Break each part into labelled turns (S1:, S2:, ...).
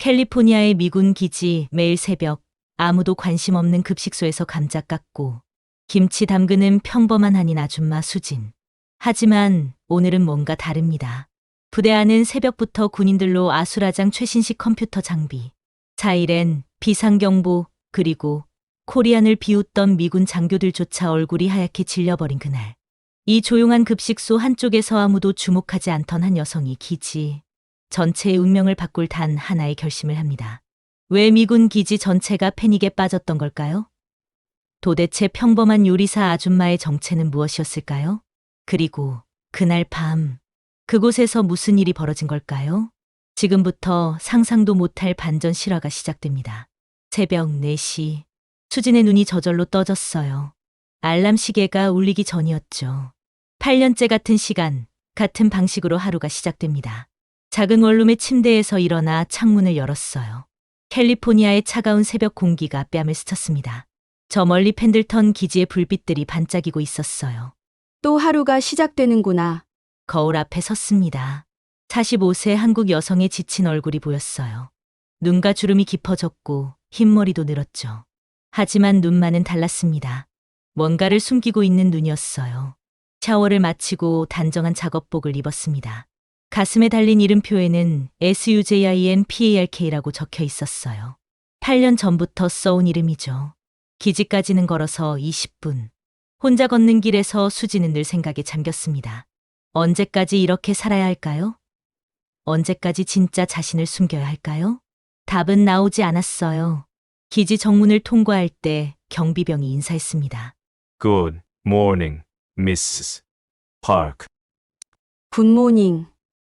S1: 캘리포니아의 미군 기지 매일 새벽 아무도 관심 없는 급식소에서 감자 깎고 김치 담그는 평범한 한인 아줌마 수진. 하지만 오늘은 뭔가 다릅니다. 부대 안은 새벽부터 군인들로 아수라장 최신식 컴퓨터 장비, 사이렌, 비상경보, 그리고 코리안을 비웃던 미군 장교들조차 얼굴이 하얗게 질려버린 그날. 이 조용한 급식소 한쪽에서 아무도 주목하지 않던 한 여성이 기지 전체의 운명을 바꿀 단 하나의 결심을 합니다. 왜 미군 기지 전체가 패닉에 빠졌던 걸까요? 도대체 평범한 요리사 아줌마의 정체는 무엇이었을까요? 그리고 그날 밤, 그곳에서 무슨 일이 벌어진 걸까요? 지금부터 상상도 못할 반전 실화가 시작됩니다. 새벽 4시, 수진의 눈이 저절로 떠졌어요. 알람 시계가 울리기 전이었죠. 8년째 같은 시간, 같은 방식으로 하루가 시작됩니다. 작은 원룸의 침대에서 일어나 창문을 열었어요. 캘리포니아의 차가운 새벽 공기가 뺨을 스쳤습니다. 저 멀리 펜들턴 기지의 불빛들이 반짝이고 있었어요.
S2: 또 하루가 시작되는구나.
S1: 거울 앞에 섰습니다. 45세 한국 여성의 지친 얼굴이 보였어요. 눈가 주름이 깊어졌고 흰머리도 늘었죠. 하지만 눈만은 달랐습니다. 뭔가를 숨기고 있는 눈이었어요. 샤워를 마치고 단정한 작업복을 입었습니다. 가슴에 달린 이름표에는 SUJINPARK라고 적혀 있었어요. 8년 전부터 써온 이름이죠. 기지까지는 걸어서 20분. 혼자 걷는 길에서 수지는 늘 생각에 잠겼습니다. 언제까지 이렇게 살아야 할까요? 언제까지 진짜 자신을 숨겨야 할까요? 답은 나오지 않았어요. 기지 정문을 통과할 때 경비병이 인사했습니다.
S3: Good morning, Mrs. Park.
S2: 굿모닝.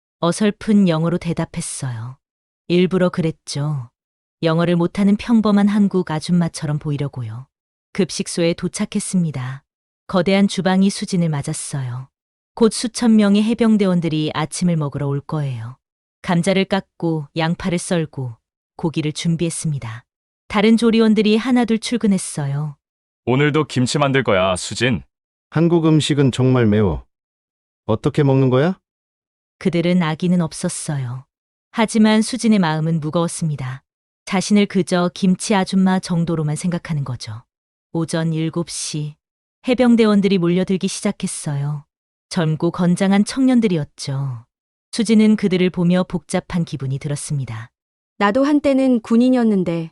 S1: 어설픈 영어로 대답했어요. 일부러 그랬죠. 영어를 못하는 평범한 한국 아줌마처럼 보이려고요. 급식소에 도착했습니다. 거대한 주방이 수진을 맞았어요. 곧 수천 명의 해병대원들이 아침을 먹으러 올 거예요. 감자를 깎고 양파를 썰고 고기를 준비했습니다. 다른 조리원들이 하나둘 출근했어요.
S3: 오늘도 김치 만들 거야, 수진.
S4: 한국 음식은 정말 매워. 어떻게 먹는 거야?
S1: 그들은 아기는 없었어요. 하지만 수진의 마음은 무거웠습니다. 자신을 그저 김치 아줌마 정도로만 생각하는 거죠. 오전 7시 해병대원들이 몰려들기 시작했어요. 젊고 건장한 청년들이었죠. 수진은 그들을 보며 복잡한 기분이 들었습니다.
S2: 나도 한때는 군인이었는데.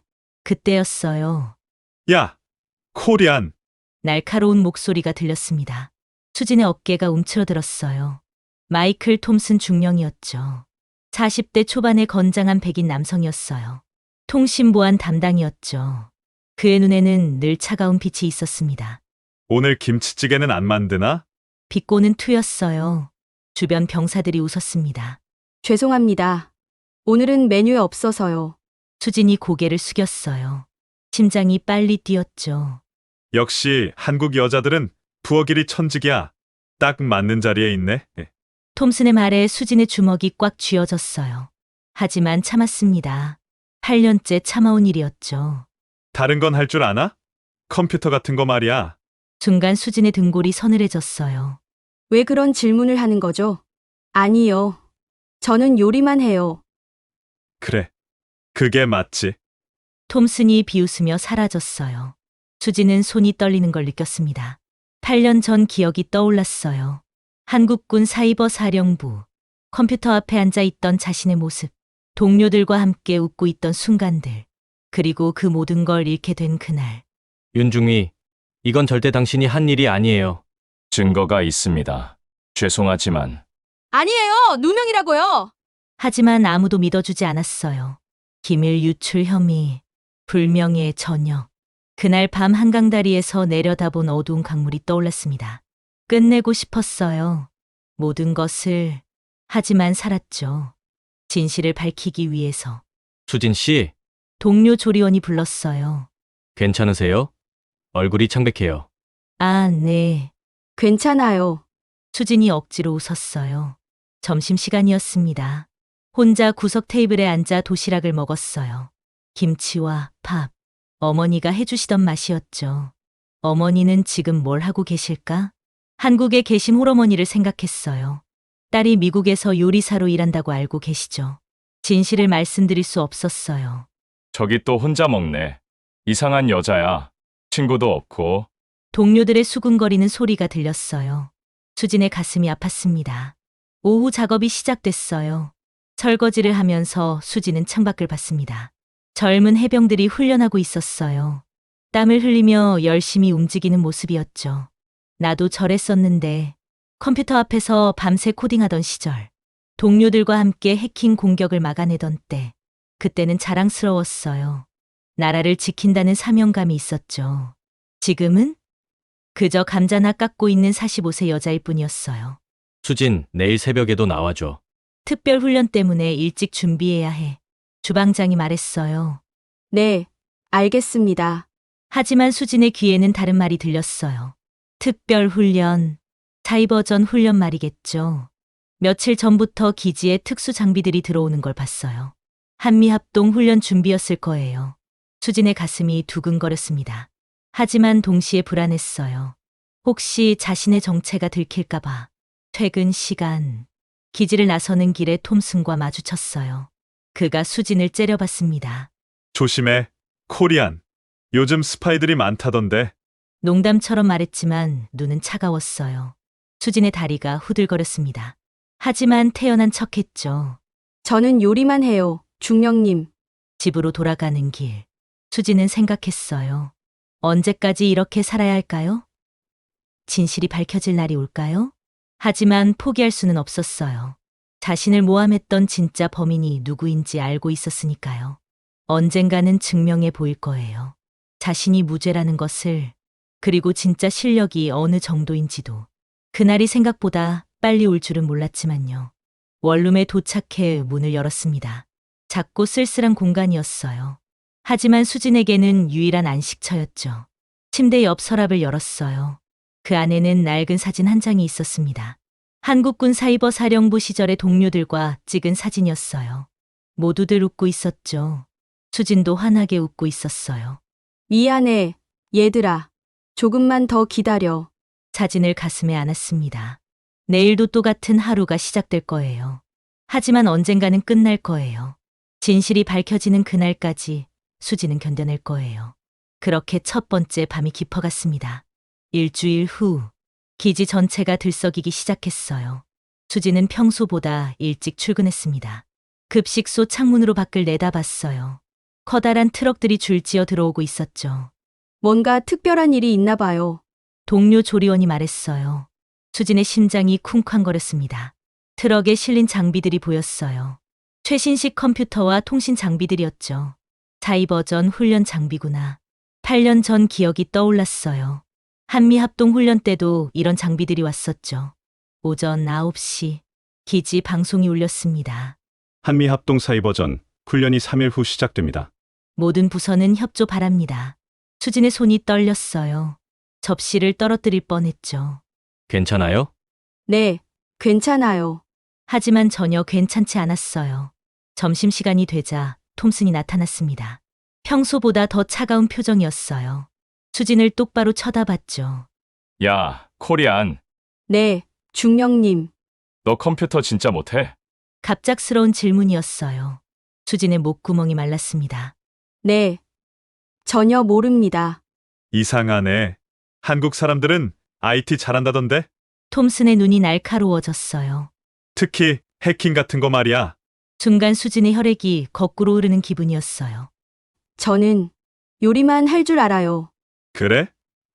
S1: 그때였어요.
S3: 야, 코리안.
S1: 날카로운 목소리가 들렸습니다. 수진의 어깨가 움츠러들었어요. 마이클 톰슨 중령이었죠. 40대 초반의 건장한 백인 남성이었어요. 통신보안 담당이었죠. 그의 눈에는 늘 차가운 빛이 있었습니다.
S3: 오늘 김치찌개는 안 만드나?
S1: 비꼬는 투였어요. 주변 병사들이 웃었습니다.
S2: 죄송합니다. 오늘은 메뉴에 없어서요.
S1: 수진이 고개를 숙였어요. 심장이 빨리 뛰었죠.
S3: 역시 한국 여자들은 부엌일이 천직이야. 딱 맞는 자리에 있네.
S1: 톰슨의 말에 수진의 주먹이 꽉 쥐어졌어요. 하지만 참았습니다. 8년째 참아온 일이었죠.
S3: 다른 건 할 줄 아나? 컴퓨터 같은 거 말이야.
S1: 순간 수진의 등골이 서늘해졌어요.
S2: 왜 그런 질문을 하는 거죠? 아니요. 저는 요리만 해요.
S3: 그래. 그게 맞지.
S1: 톰슨이 비웃으며 사라졌어요. 수지는 손이 떨리는 걸 느꼈습니다. 8년 전 기억이 떠올랐어요. 한국군 사이버 사령부, 컴퓨터 앞에 앉아 있던 자신의 모습, 동료들과 함께 웃고 있던 순간들, 그리고 그 모든 걸 잃게 된 그날.
S5: 윤중위, 이건 절대 당신이 한 일이 아니에요.
S3: 증거가 있습니다. 죄송하지만.
S2: 아니에요. 누명이라고요.
S1: 하지만 아무도 믿어주지 않았어요. 기밀 유출 혐의, 불명예의 전역. 그날 밤 한강다리에서 내려다본 어두운 강물이 떠올랐습니다. 끝내고 싶었어요. 모든 것을. 하지만 살았죠. 진실을 밝히기 위해서.
S5: 수진 씨,
S1: 동료 조리원이 불렀어요.
S5: 괜찮으세요? 얼굴이 창백해요.
S1: 아, 네.
S2: 괜찮아요.
S1: 수진이 억지로 웃었어요. 점심시간이었습니다. 혼자 구석 테이블에 앉아 도시락을 먹었어요. 김치와 밥. 어머니가 해주시던 맛이었죠. 어머니는 지금 뭘 하고 계실까? 한국에 계신 홀어머니를 생각했어요. 딸이 미국에서 요리사로 일한다고 알고 계시죠. 진실을 말씀드릴 수 없었어요.
S6: 저기 또 혼자 먹네. 이상한 여자야. 친구도 없고.
S1: 동료들의 수군거리는 소리가 들렸어요. 수진의 가슴이 아팠습니다. 오후 작업이 시작됐어요. 설거지를 하면서 수진은 창밖을 봤습니다. 젊은 해병들이 훈련하고 있었어요. 땀을 흘리며 열심히 움직이는 모습이었죠. 나도 저랬었는데 컴퓨터 앞에서 밤새 코딩하던 시절, 동료들과 함께 해킹 공격을 막아내던 때, 그때는 자랑스러웠어요. 나라를 지킨다는 사명감이 있었죠. 지금은 그저 감자나 깎고 있는 45세 여자일 뿐이었어요.
S5: 수진, 내일 새벽에도 나와줘.
S1: 특별 훈련 때문에 일찍 준비해야 해. 주방장이 말했어요.
S2: 네, 알겠습니다.
S1: 하지만 수진의 귀에는 다른 말이 들렸어요. 특별 훈련, 사이버전 훈련 말이겠죠. 며칠 전부터 기지에 특수 장비들이 들어오는 걸 봤어요. 한미합동 훈련 준비였을 거예요. 수진의 가슴이 두근거렸습니다. 하지만 동시에 불안했어요. 혹시 자신의 정체가 들킬까봐. 퇴근 시간, 기지를 나서는 길에 톰슨과 마주쳤어요. 그가 수진을 째려봤습니다.
S3: 조심해, 코리안. 요즘 스파이들이 많다던데.
S1: 농담처럼 말했지만 눈은 차가웠어요. 수진의 다리가 후들거렸습니다. 하지만 태연한 척했죠.
S2: 저는 요리만 해요, 중령님.
S1: 집으로 돌아가는 길. 수진은 생각했어요. 언제까지 이렇게 살아야 할까요? 진실이 밝혀질 날이 올까요? 하지만 포기할 수는 없었어요. 자신을 모함했던 진짜 범인이 누구인지 알고 있었으니까요. 언젠가는 증명해 보일 거예요. 자신이 무죄라는 것을, 그리고 진짜 실력이 어느 정도인지도. 그날이 생각보다 빨리 올 줄은 몰랐지만요. 원룸에 도착해 문을 열었습니다. 작고 쓸쓸한 공간이었어요. 하지만 수진에게는 유일한 안식처였죠. 침대 옆 서랍을 열었어요. 그 안에는 낡은 사진 한 장이 있었습니다. 한국군 사이버 사령부 시절의 동료들과 찍은 사진이었어요. 모두들 웃고 있었죠. 수진도 환하게 웃고 있었어요.
S2: 미안해, 얘들아. 조금만 더 기다려.
S1: 사진을 가슴에 안았습니다. 내일도 똑같은 하루가 시작될 거예요. 하지만 언젠가는 끝날 거예요. 진실이 밝혀지는 그날까지 수지는 견뎌낼 거예요. 그렇게 첫 번째 밤이 깊어갔습니다. 일주일 후, 기지 전체가 들썩이기 시작했어요. 수지는 평소보다 일찍 출근했습니다. 급식소 창문으로 밖을 내다봤어요. 커다란 트럭들이 줄지어 들어오고 있었죠.
S2: 뭔가 특별한 일이 있나 봐요.
S1: 동료 조리원이 말했어요. 수진의 심장이 쿵쾅거렸습니다. 트럭에 실린 장비들이 보였어요. 최신식 컴퓨터와 통신 장비들이었죠. 사이버전 훈련 장비구나. 8년 전 기억이 떠올랐어요. 한미합동 훈련 때도 이런 장비들이 왔었죠. 오전 9시, 기지 방송이 울렸습니다.
S4: 한미합동 사이버전 훈련이 3일 후 시작됩니다.
S1: 모든 부서는 협조 바랍니다. 수진의 손이 떨렸어요. 접시를 떨어뜨릴 뻔했죠.
S5: 괜찮아요?
S2: 네, 괜찮아요.
S1: 하지만 전혀 괜찮지 않았어요. 점심시간이 되자 톰슨이 나타났습니다. 평소보다 더 차가운 표정이었어요. 수진을 똑바로 쳐다봤죠.
S6: 야, 코리안.
S2: 네, 중령님.
S6: 너 컴퓨터 진짜 못해?
S1: 갑작스러운 질문이었어요. 수진의 목구멍이 말랐습니다.
S2: 네. 전혀 모릅니다.
S3: 이상하네. 한국 사람들은 IT 잘한다던데?
S1: 톰슨의 눈이 날카로워졌어요.
S3: 특히 해킹 같은 거 말이야.
S1: 순간 수진의 혈액이 거꾸로 흐르는 기분이었어요.
S2: 저는 요리만 할 줄 알아요.
S3: 그래?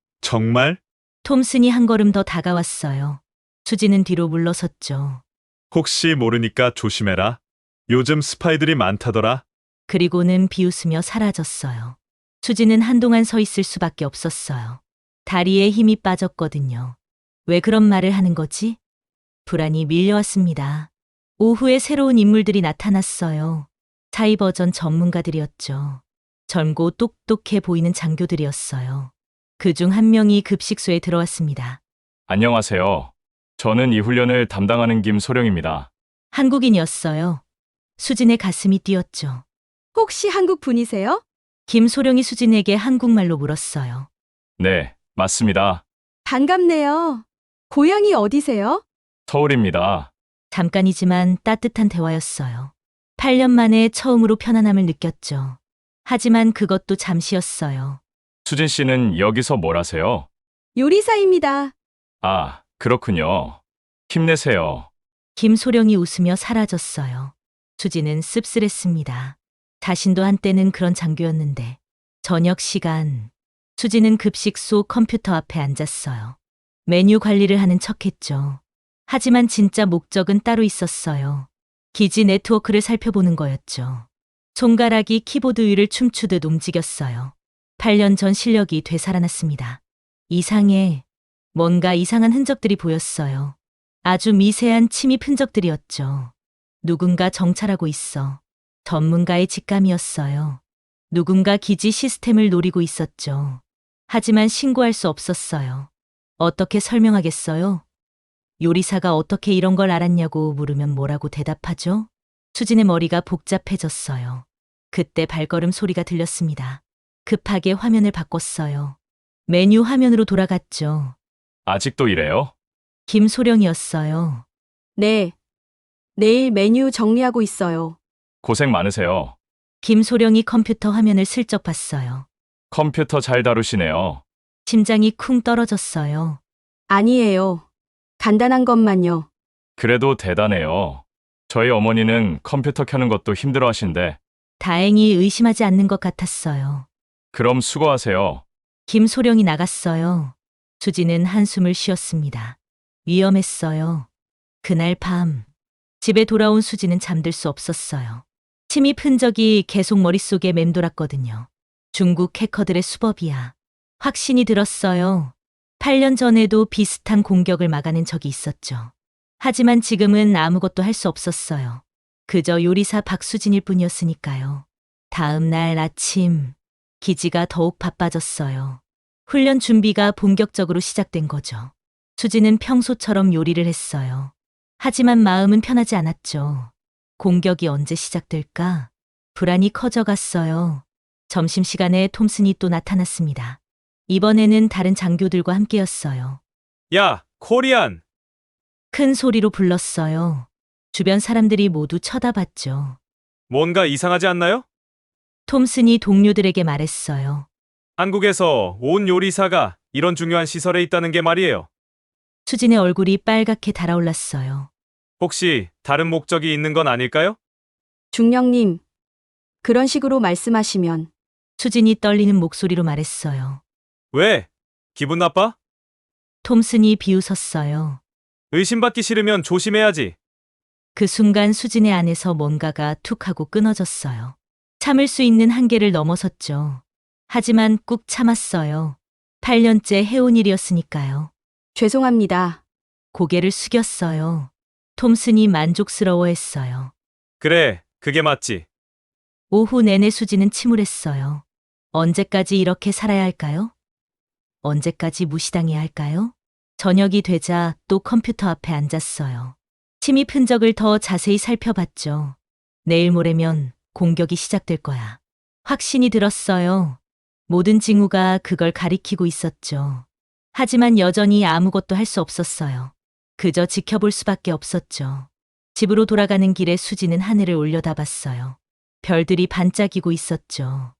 S3: 정말?
S1: 톰슨이 한 걸음 더 다가왔어요. 수진은 뒤로 물러섰죠.
S3: 혹시 모르니까 조심해라. 요즘 스파이들이 많다더라.
S1: 그리고는 비웃으며 사라졌어요. 수진은 한동안 서 있을 수밖에 없었어요. 다리에 힘이 빠졌거든요. 왜 그런 말을 하는 거지? 불안이 밀려왔습니다. 오후에 새로운 인물들이 나타났어요. 사이버전 전문가들이었죠. 젊고 똑똑해 보이는 장교들이었어요. 그중 한 명이 급식소에 들어왔습니다.
S6: 안녕하세요. 저는 이 훈련을 담당하는 김소령입니다.
S1: 한국인이었어요. 수진의 가슴이 뛰었죠.
S2: 혹시 한국 분이세요?
S1: 김소령이 수진에게 한국말로 물었어요.
S6: 네, 맞습니다.
S2: 반갑네요. 고향이 어디세요?
S6: 서울입니다.
S1: 잠깐이지만 따뜻한 대화였어요. 8년 만에 처음으로 편안함을 느꼈죠. 하지만 그것도 잠시였어요.
S6: 수진 씨는 여기서 뭘 하세요?
S2: 요리사입니다.
S6: 아, 그렇군요. 힘내세요.
S1: 김소령이 웃으며 사라졌어요. 수지는 씁쓸했습니다. 자신도 한때는 그런 장교였는데. 저녁 시간, 수지는 급식소 컴퓨터 앞에 앉았어요. 메뉴 관리를 하는 척했죠. 하지만 진짜 목적은 따로 있었어요. 기지 네트워크를 살펴보는 거였죠. 손가락이 키보드 위를 춤추듯 움직였어요. 8년 전 실력이 되살아났습니다. 뭔가 이상한 흔적들이 보였어요. 아주 미세한 침입 흔적들이었죠. 누군가 정찰하고 있어. 전문가의 직감이었어요. 누군가 기지 시스템을 노리고 있었죠. 하지만 신고할 수 없었어요. 어떻게 설명하겠어요? 요리사가 어떻게 이런 걸 알았냐고 물으면 뭐라고 대답하죠? 수진의 머리가 복잡해졌어요. 그때 발걸음 소리가 들렸습니다. 급하게 화면을 바꿨어요. 메뉴 화면으로 돌아갔죠.
S6: 아직도 이래요?
S1: 김소령이었어요.
S2: 네. 내일 메뉴 정리하고 있어요.
S6: 고생 많으세요.
S1: 김소령이 컴퓨터 화면을 슬쩍 봤어요.
S6: 컴퓨터 잘 다루시네요.
S1: 심장이 쿵 떨어졌어요.
S2: 아니에요. 간단한 것만요.
S6: 그래도 대단해요. 저희 어머니는 컴퓨터 켜는 것도 힘들어 하신데,
S1: 다행히 의심하지 않는 것 같았어요.
S6: 그럼 수고하세요.
S1: 김소령이 나갔어요. 수지는 한숨을 쉬었습니다. 위험했어요. 그날 밤, 집에 돌아온 수지는 잠들 수 없었어요. 침입 흔적이 계속 머릿속에 맴돌았거든요. 중국 해커들의 수법이야. 확신이 들었어요. 8년 전에도 비슷한 공격을 막아낸 적이 있었죠. 하지만 지금은 아무것도 할 수 없었어요. 그저 요리사 박수진일 뿐이었으니까요. 다음 날 아침, 기지가 더욱 바빠졌어요. 훈련 준비가 본격적으로 시작된 거죠. 수지는 평소처럼 요리를 했어요. 하지만 마음은 편하지 않았죠. 공격이 언제 시작될까? 불안이 커져갔어요. 점심시간에 톰슨이 또 나타났습니다. 이번에는 다른 장교들과 함께였어요.
S3: 야, 코리안!
S1: 큰 소리로 불렀어요. 주변 사람들이 모두 쳐다봤죠.
S3: 뭔가 이상하지 않나요?
S1: 톰슨이 동료들에게 말했어요.
S3: 한국에서 온 요리사가 이런 중요한 시설에 있다는 게 말이에요.
S1: 수진의 얼굴이 빨갛게 달아올랐어요.
S3: 혹시 다른 목적이 있는 건 아닐까요?
S2: 중령님, 그런 식으로 말씀하시면
S1: 수진이 떨리는 목소리로 말했어요.
S3: 왜? 기분 나빠?
S1: 톰슨이 비웃었어요.
S3: 의심받기 싫으면 조심해야지.
S1: 그 순간 수진의 안에서 뭔가가 툭 하고 끊어졌어요. 참을 수 있는 한계를 넘어섰죠. 하지만 꾹 참았어요. 8년째 해온 일이었으니까요.
S2: 죄송합니다.
S1: 고개를 숙였어요. 톰슨이 만족스러워했어요.
S3: 그래, 그게 맞지.
S1: 오후 내내 수지는 침울했어요. 언제까지 이렇게 살아야 할까요? 언제까지 무시당해야 할까요? 저녁이 되자 또 컴퓨터 앞에 앉았어요. 침입 흔적을 더 자세히 살펴봤죠. 내일 모레면 공격이 시작될 거야. 확신이 들었어요. 모든 징후가 그걸 가리키고 있었죠. 하지만 여전히 아무것도 할 수 없었어요. 그저 지켜볼 수밖에 없었죠. 집으로 돌아가는 길에 수지는 하늘을 올려다봤어요. 별들이 반짝이고 있었죠.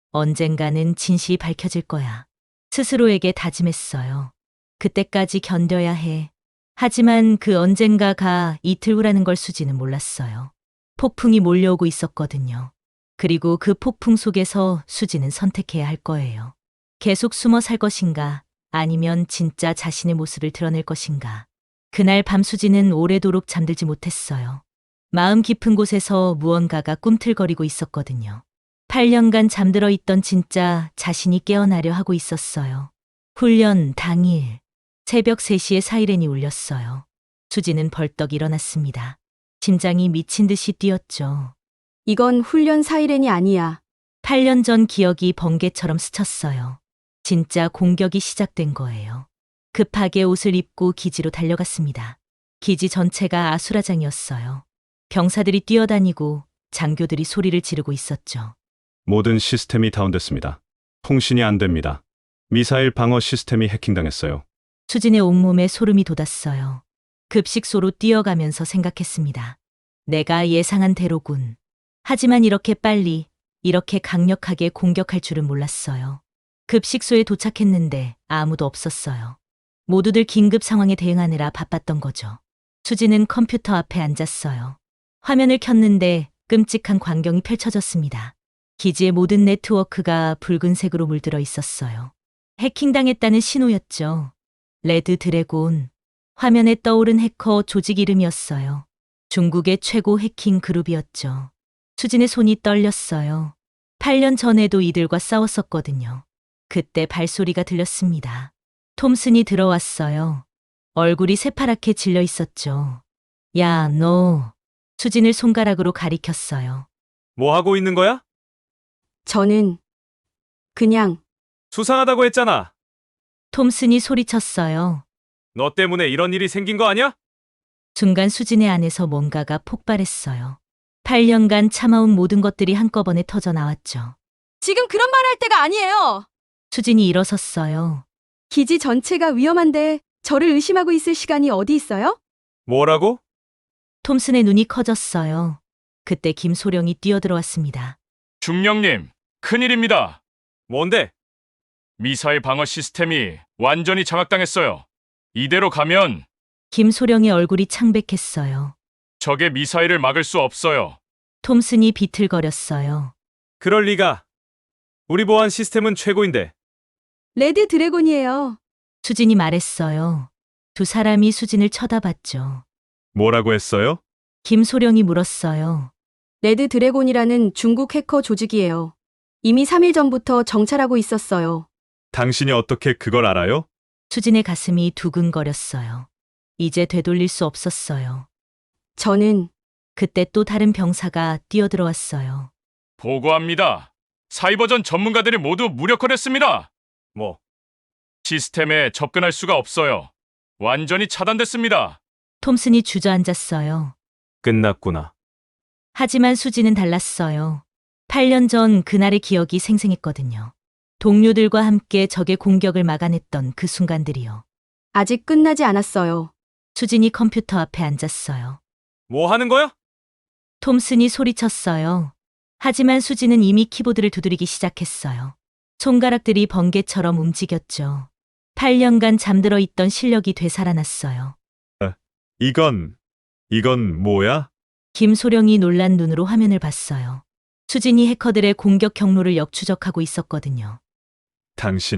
S1: 언젠가는 진실이 밝혀질 거야. 스스로에게 다짐했어요. 그때까지 견뎌야 해. 하지만 그 언젠가가 이틀 후라는 걸 수지는 몰랐어요. 폭풍이 몰려오고 있었거든요. 그리고 그 폭풍 속에서 수지는 선택해야 할 거예요. 계속 숨어 살 것인가, 아니면 진짜 자신의 모습을 드러낼 것인가. 그날 밤 수지는 오래도록 잠들지 못했어요. 마음 깊은 곳에서 무언가가 꿈틀거리고 있었거든요. 8년간 잠들어 있던 진짜 자신이 깨어나려 하고 있었어요. 훈련 당일, 새벽 3시에 사이렌이 울렸어요. 수지는 벌떡 일어났습니다. 심장이 미친 듯이 뛰었죠.
S2: 이건 훈련 사이렌이 아니야.
S1: 8년 전 기억이 번개처럼 스쳤어요. 진짜 공격이 시작된 거예요. 급하게 옷을 입고 기지로 달려갔습니다. 기지 전체가 아수라장이었어요. 병사들이 뛰어다니고 장교들이 소리를 지르고 있었죠.
S4: 모든 시스템이 다운됐습니다. 통신이 안 됩니다. 미사일 방어 시스템이 해킹당했어요.
S1: 수진의 온몸에 소름이 돋았어요. 급식소로 뛰어가면서 생각했습니다. 내가 예상한 대로군. 하지만 이렇게 빨리, 이렇게 강력하게 공격할 줄은 몰랐어요. 급식소에 도착했는데 아무도 없었어요. 모두들 긴급 상황에 대응하느라 바빴던 거죠. 수지는 컴퓨터 앞에 앉았어요. 화면을 켰는데 끔찍한 광경이 펼쳐졌습니다. 기지의 모든 네트워크가 붉은색으로 물들어 있었어요. 해킹당했다는 신호였죠. 레드 드래곤. 화면에 떠오른 해커 조직 이름이었어요. 중국의 최고 해킹 그룹이었죠. 수진의 손이 떨렸어요. 8년 전에도 이들과 싸웠었거든요. 그때 발소리가 들렸습니다. 톰슨이 들어왔어요. 얼굴이 새파랗게 질려 있었죠. 야, 너. 수진을 손가락으로 가리켰어요.
S7: 뭐 하고 있는 거야?
S2: 저는 그냥
S7: 수상하다고 했잖아.
S1: 톰슨이 소리쳤어요.
S7: 너 때문에 이런 일이 생긴 거 아니야?
S1: 순간 수진의 안에서 뭔가가 폭발했어요. 8년간 참아온 모든 것들이 한꺼번에 터져 나왔죠.
S2: 지금 그런 말 할 때가 아니에요.
S1: 수진이 일어섰어요.
S2: 기지 전체가 위험한데 저를 의심하고 있을 시간이 어디 있어요?
S7: 뭐라고?
S1: 톰슨의 눈이 커졌어요. 그때 김소령이 뛰어들어왔습니다.
S6: 중령님, 큰일입니다.
S7: 뭔데?
S6: 미사일 방어 시스템이 완전히 장악당했어요. 이대로 가면
S1: 김소령의 얼굴이 창백했어요.
S6: 적의 미사일을 막을 수 없어요.
S1: 톰슨이 비틀거렸어요.
S7: 그럴 리가. 우리 보안 시스템은 최고인데.
S2: 레드 드래곤이에요.
S1: 수진이 말했어요. 두 사람이 수진을 쳐다봤죠.
S3: 뭐라고 했어요?
S1: 김소령이 물었어요.
S2: 레드 드래곤이라는 중국 해커 조직이에요. 이미 3일 전부터 정찰하고 있었어요.
S3: 당신이 어떻게 그걸 알아요?
S1: 수진의 가슴이 두근거렸어요. 이제 되돌릴 수 없었어요.
S2: 저는
S1: 그때 또 다른 병사가 뛰어들어왔어요.
S6: 보고합니다. 사이버전 전문가들이 모두 무력화됐습니다.
S7: 뭐,
S6: 시스템에 접근할 수가 없어요. 완전히 차단됐습니다.
S1: 톰슨이 주저앉았어요.
S7: 끝났구나.
S1: 하지만 수지는 달랐어요. 8년 전 그날의 기억이 생생했거든요. 동료들과 함께 적의 공격을 막아냈던 그 순간들이요.
S2: 아직 끝나지 않았어요.
S1: 수진이 컴퓨터 앞에 앉았어요.
S7: 뭐 하는 거야?
S1: 톰슨이 소리쳤어요. 하지만 수지는 이미 키보드를 두드리기 시작했어요. 손가락들이 번개처럼 움직였죠. 8년간 잠들어 있던 실력이 되살아났어요.
S3: 이건 뭐야?
S1: 김소령이 놀란 눈으로 화면을 봤어요. 수진이 해커들의 공격 경로를 역추적하고 있었거든요.
S3: 당신,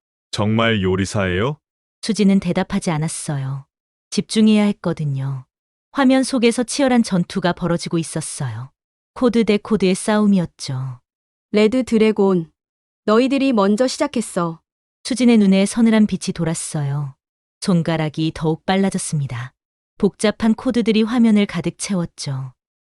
S3: 정말 요리사예요?
S1: 수진은 대답하지 않았어요. 집중해야 했거든요. 화면 속에서 치열한 전투가 벌어지고 있었어요. 코드 대 코드의 싸움이었죠.
S2: 레드 드래곤. 너희들이 먼저 시작했어.
S1: 수진의 눈에 서늘한 빛이 돌았어요. 손가락이 더욱 빨라졌습니다. 복잡한 코드들이 화면을 가득 채웠죠.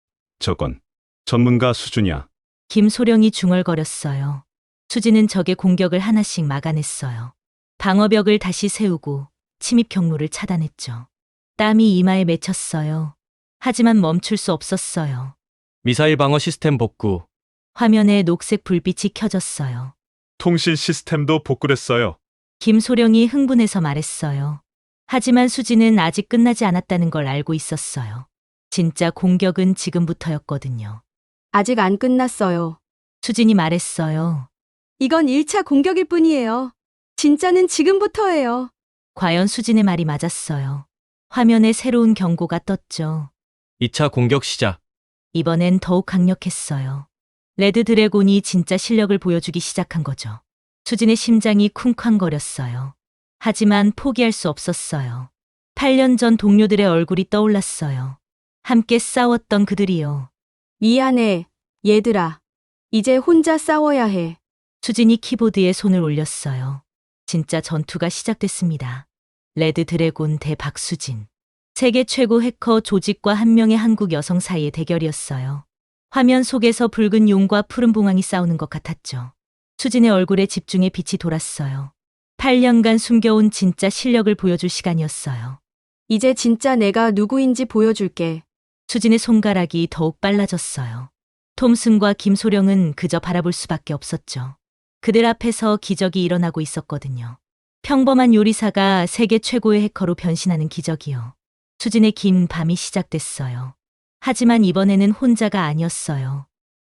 S4: 저건 전문가 수준이야.
S1: 김소령이 중얼거렸어요. 수진은 적의 공격을 하나씩 막아냈어요. 방어벽을 다시 세우고 침입 경로를 차단했죠. 땀이 이마에 맺혔어요. 하지만 멈출 수 없었어요.
S5: 미사일 방어 시스템 복구.
S1: 화면에 녹색 불빛이 켜졌어요.
S3: 통신 시스템도 복구됐어요.
S1: 김소령이 흥분해서 말했어요. 하지만 수지는 아직 끝나지 않았다는 걸 알고 있었어요. 진짜 공격은 지금부터였거든요.
S2: 아직 안 끝났어요.
S1: 수진이 말했어요.
S2: 이건 1차 공격일 뿐이에요. 진짜는 지금부터예요.
S1: 과연 수진의 말이 맞았어요. 화면에 새로운 경고가 떴죠.
S5: 2차 공격 시작.
S1: 이번엔 더욱 강력했어요. 레드 드래곤이 진짜 실력을 보여주기 시작한 거죠. 수진의 심장이 쿵쾅거렸어요. 하지만 포기할 수 없었어요. 8년 전 동료들의 얼굴이 떠올랐어요. 함께 싸웠던 그들이요.
S2: 미안해, 얘들아. 이제 혼자 싸워야 해.
S1: 수진이 키보드에 손을 올렸어요. 진짜 전투가 시작됐습니다. 레드 드래곤 대 박수진. 세계 최고 해커 조직과 한 명의 한국 여성 사이의 대결이었어요. 화면 속에서 붉은 용과 푸른 봉황이 싸우는 것 같았죠. 수진의 얼굴에 집중의 빛이 돌았어요. 8년간 숨겨온 진짜 실력을 보여줄 시간이었어요.
S2: 이제 진짜 내가 누구인지 보여줄게.
S1: 수진의 손가락이 더욱 빨라졌어요. 톰슨과 김소령은 그저 바라볼 수밖에 없었죠. 그들 앞에서 기적이 일어나고 있었거든요. 평범한 요리사가 세계 최고의 해커로 변신하는 기적이요. 수진의 긴 밤이 시작됐어요. 하지만 이번에는 혼자가 아니었어요.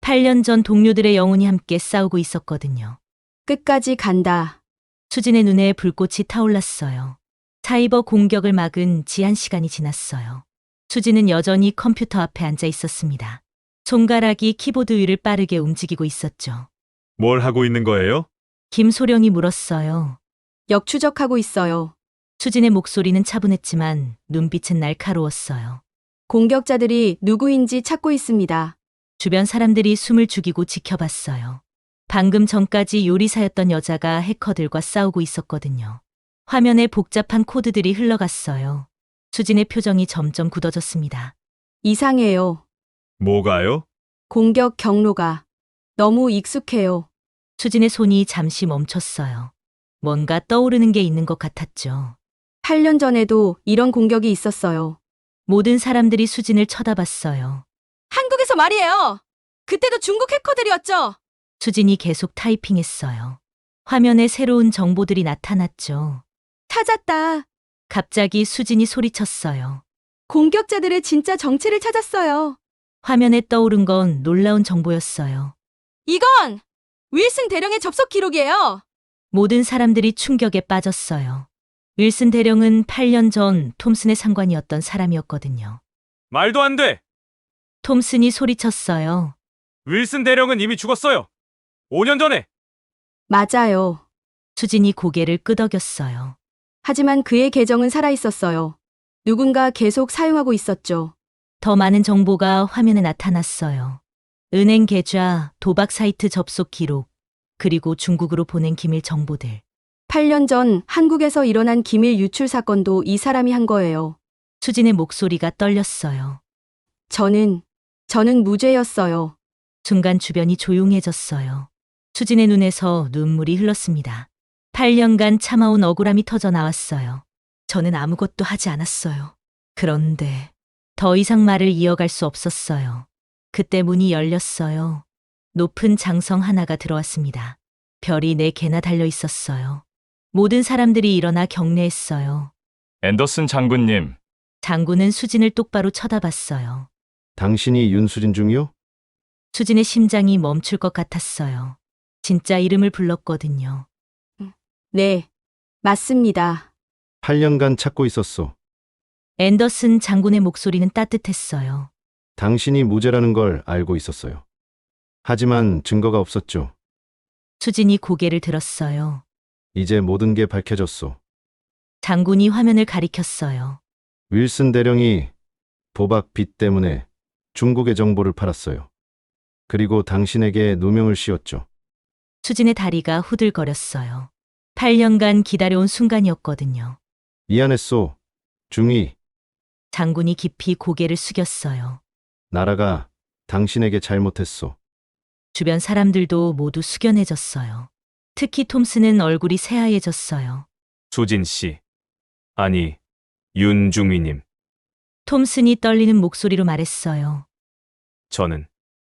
S1: 8년 전 동료들의 영혼이 함께 싸우고 있었거든요.
S2: 끝까지 간다.
S1: 수진의 눈에 불꽃이 타올랐어요. 사이버 공격을 막은 지한 시간이 지났어요. 수진은 여전히 컴퓨터 앞에 앉아 있었습니다. 손가락이 키보드 위를 빠르게 움직이고 있었죠.
S3: 뭘 하고 있는 거예요?
S1: 김소령이 물었어요.
S2: 역추적하고 있어요.
S1: 수진의 목소리는 차분했지만 눈빛은 날카로웠어요.
S2: 공격자들이 누구인지 찾고 있습니다.
S1: 주변 사람들이 숨을 죽이고 지켜봤어요. 방금 전까지 요리사였던 여자가 해커들과 싸우고 있었거든요. 화면에 복잡한 코드들이 흘러갔어요. 수진의 표정이 점점 굳어졌습니다.
S2: 이상해요.
S3: 뭐가요?
S2: 공격 경로가 너무 익숙해요.
S1: 수진의 손이 잠시 멈췄어요. 뭔가 떠오르는 게 있는 것 같았죠.
S2: 8년 전에도 이런 공격이 있었어요.
S1: 모든 사람들이 수진을 쳐다봤어요.
S2: 한국에서 말이에요. 그때도 중국 해커들이었죠.
S1: 수진이 계속 타이핑했어요. 화면에 새로운 정보들이 나타났죠.
S2: 찾았다.
S1: 갑자기 수진이 소리쳤어요.
S2: 공격자들의 진짜 정체를 찾았어요.
S1: 화면에 떠오른 건 놀라운 정보였어요.
S2: 이건 윌슨 대령의 접속 기록이에요.
S1: 모든 사람들이 충격에 빠졌어요. 윌슨 대령은 8년 전 톰슨의 상관이었던 사람이었거든요.
S7: 말도 안 돼.
S1: 톰슨이 소리쳤어요.
S7: 윌슨 대령은 이미 죽었어요. 5년 전에.
S2: 맞아요.
S1: 수진이 고개를 끄덕였어요.
S2: 하지만 그의 계정은 살아있었어요. 누군가 계속 사용하고 있었죠.
S1: 더 많은 정보가 화면에 나타났어요. 은행 계좌, 도박 사이트 접속 기록, 그리고 중국으로 보낸 기밀 정보들.
S2: 8년 전 한국에서 일어난 기밀 유출 사건도 이 사람이 한 거예요.
S1: 수진의 목소리가 떨렸어요.
S2: 저는 무죄였어요.
S1: 순간 주변이 조용해졌어요. 수진의 눈에서 눈물이 흘렀습니다. 8년간 참아온 억울함이 터져 나왔어요. 저는 아무것도 하지 않았어요. 그런데 더 이상 말을 이어갈 수 없었어요. 그때 문이 열렸어요. 높은 장성 하나가 들어왔습니다. 별이 4개나 달려 있었어요. 모든 사람들이 일어나 경례했어요.
S6: 앤더슨 장군님,
S1: 장군은 수진을 똑바로 쳐다봤어요.
S4: 당신이 윤수진 중이요?
S1: 수진의 심장이 멈출 것 같았어요. 진짜 이름을 불렀거든요.
S2: 네, 맞습니다.
S4: 8년간 찾고 있었소.
S1: 앤더슨 장군의 목소리는 따뜻했어요.
S4: 당신이 무죄라는 걸 알고 있었어요. 하지만 증거가 없었죠.
S1: 수진이 고개를 들었어요.
S4: 이제 모든 게 밝혀졌소.
S1: 장군이 화면을 가리켰어요.
S4: 윌슨 대령이 도박 빚 때문에 중국의 정보를 팔았어요. 그리고 당신에게 누명을 씌웠죠.
S1: 수진의 다리가 후들거렸어요. 8년간 기다려온 순간이었거든요.
S4: 미안했소. 중위,
S1: 장군이 깊이 고개를 숙였어요.
S4: 나라가 당신에게 잘못했소.
S1: 주변 사람들도 모두 숙연해졌어요. 특히 톰슨은 얼굴이 새하얘졌어요.
S7: 수진 씨. 아니, 윤중위님.
S1: 톰슨이 떨리는 목소리로 말했어요.
S7: 저는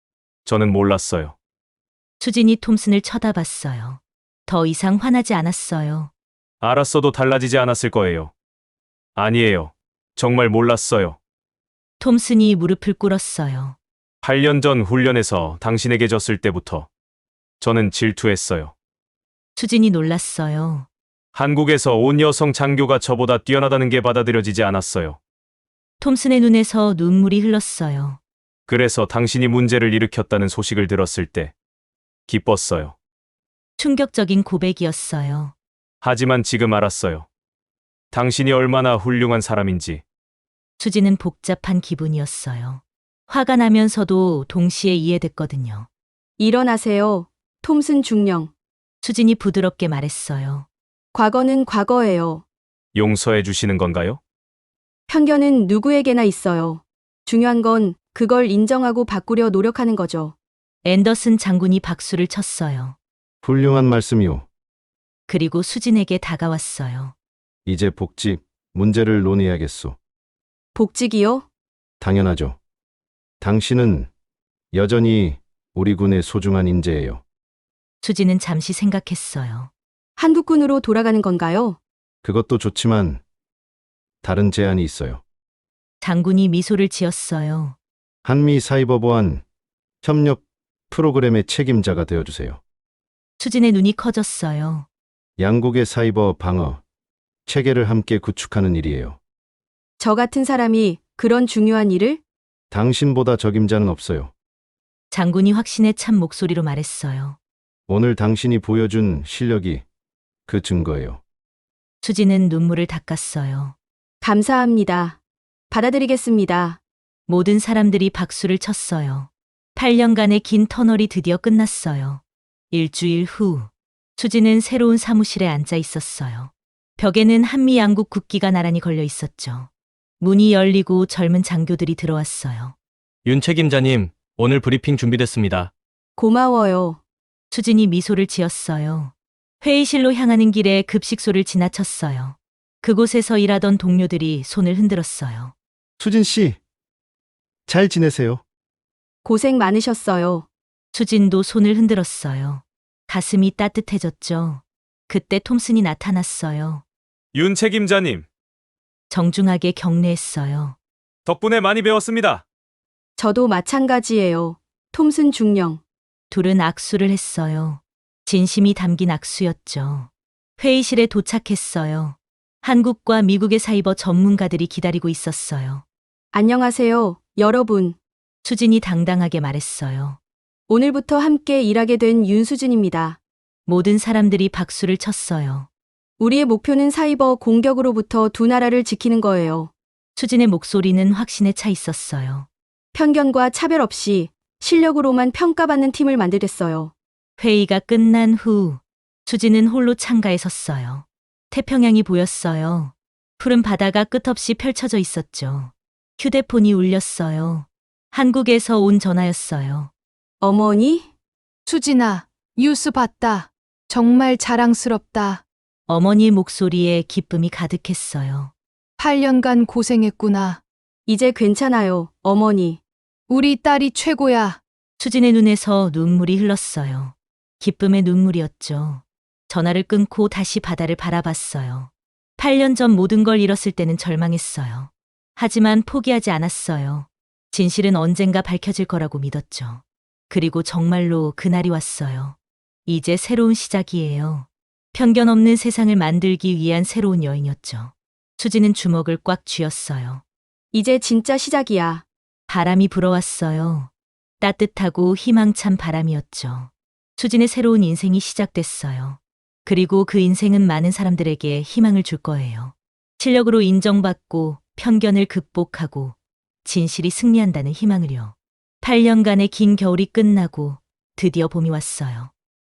S7: 몰랐어요.
S1: 수진이 톰슨을 쳐다봤어요. 더 이상 화나지 않았어요.
S7: 알았어도 달라지지 않았을 거예요. 아니에요. 정말 몰랐어요.
S1: 톰슨이 무릎을 꿇었어요.
S7: 8년 전 훈련에서 당신에게 졌을 때부터 저는 질투했어요.
S1: 수진이 놀랐어요.
S7: 한국에서 온 여성 장교가 저보다 뛰어나다는 게 받아들여지지 않았어요.
S1: 톰슨의 눈에서 눈물이 흘렀어요.
S7: 그래서 당신이 문제를 일으켰다는 소식을 들었을 때 기뻤어요.
S1: 충격적인 고백이었어요.
S7: 하지만 지금 알았어요. 당신이 얼마나 훌륭한 사람인지.
S1: 수지는 복잡한 기분이었어요. 화가 나면서도 동시에 이해됐거든요.
S2: 일어나세요. 톰슨 중령.
S1: 수진이 부드럽게 말했어요.
S2: 과거는 과거예요.
S7: 용서해 주시는 건가요?
S2: 편견은 누구에게나 있어요. 중요한 건 그걸 인정하고 바꾸려 노력하는 거죠.
S1: 앤더슨 장군이 박수를 쳤어요.
S4: 훌륭한 말씀이오.
S1: 그리고 수진에게 다가왔어요.
S4: 이제 복직 문제를 논의해야겠소.
S2: 복직이요?
S4: 당연하죠. 당신은 여전히 우리 군의 소중한 인재예요.
S1: 수진은 잠시 생각했어요.
S2: 한국군으로 돌아가는 건가요?
S4: 그것도 좋지만 다른 제안이 있어요.
S1: 장군이 미소를 지었어요.
S4: 한미 사이버 보안 협력 프로그램의 책임자가 되어주세요.
S1: 수진의 눈이 커졌어요.
S4: 양국의 사이버 방어 체계를 함께 구축하는 일이에요.
S2: 저 같은 사람이 그런 중요한 일을?
S4: 당신보다 적임자는 없어요.
S1: 장군이 확신에 찬 목소리로 말했어요.
S4: 오늘 당신이 보여준 실력이 그 증거예요.
S1: 수진은 눈물을 닦았어요.
S2: 감사합니다. 받아들이겠습니다.
S1: 모든 사람들이 박수를 쳤어요. 8년간의 긴 터널이 드디어 끝났어요. 일주일 후, 수진은 새로운 사무실에 앉아 있었어요. 벽에는 한미 양국 국기가 나란히 걸려 있었죠. 문이 열리고 젊은 장교들이 들어왔어요.
S5: 윤 책임자님, 오늘 브리핑 준비됐습니다.
S2: 고마워요.
S1: 수진이 미소를 지었어요. 회의실로 향하는 길에 급식소를 지나쳤어요. 그곳에서 일하던 동료들이 손을 흔들었어요.
S4: 수진 씨, 잘 지내세요?
S2: 고생 많으셨어요.
S1: 수진도 손을 흔들었어요. 가슴이 따뜻해졌죠. 그때 톰슨이 나타났어요.
S7: 윤 책임자님,
S1: 정중하게 격려했어요.
S7: 덕분에 많이 배웠습니다.
S2: 저도 마찬가지예요. 톰슨 중령.
S1: 둘은 악수를 했어요. 진심이 담긴 악수였죠. 회의실에 도착했어요. 한국과 미국의 사이버 전문가들이 기다리고 있었어요.
S2: 안녕하세요, 여러분.
S1: 수진이 당당하게 말했어요.
S2: 오늘부터 함께 일하게 된 윤수진입니다.
S1: 모든 사람들이 박수를 쳤어요.
S2: 우리의 목표는 사이버 공격으로부터 두 나라를 지키는 거예요.
S1: 수진의 목소리는 확신에 차 있었어요.
S2: 편견과 차별 없이 실력으로만 평가받는 팀을 만들겠어요.
S1: 회의가 끝난 후 수진은 홀로 창가에 섰어요. 태평양이 보였어요. 푸른 바다가 끝없이 펼쳐져 있었죠. 휴대폰이 울렸어요. 한국에서 온 전화였어요.
S2: 어머니?
S8: 수진아, 뉴스 봤다. 정말 자랑스럽다.
S1: 어머니의 목소리에 기쁨이 가득했어요.
S8: 8년간 고생했구나.
S2: 이제 괜찮아요, 어머니.
S8: 우리 딸이 최고야.
S1: 수진의 눈에서 눈물이 흘렀어요. 기쁨의 눈물이었죠. 전화를 끊고 다시 바다를 바라봤어요. 8년 전 모든 걸 잃었을 때는 절망했어요. 하지만 포기하지 않았어요. 진실은 언젠가 밝혀질 거라고 믿었죠. 그리고 정말로 그날이 왔어요. 이제 새로운 시작이에요. 편견 없는 세상을 만들기 위한 새로운 여행이었죠. 수지는 주먹을 꽉 쥐었어요.
S2: 이제 진짜 시작이야.
S1: 바람이 불어왔어요. 따뜻하고 희망찬 바람이었죠. 수진의 새로운 인생이 시작됐어요. 그리고 그 인생은 많은 사람들에게 희망을 줄 거예요. 실력으로 인정받고 편견을 극복하고 진실이 승리한다는 희망을요. 8년간의 긴 겨울이 끝나고 드디어 봄이 왔어요.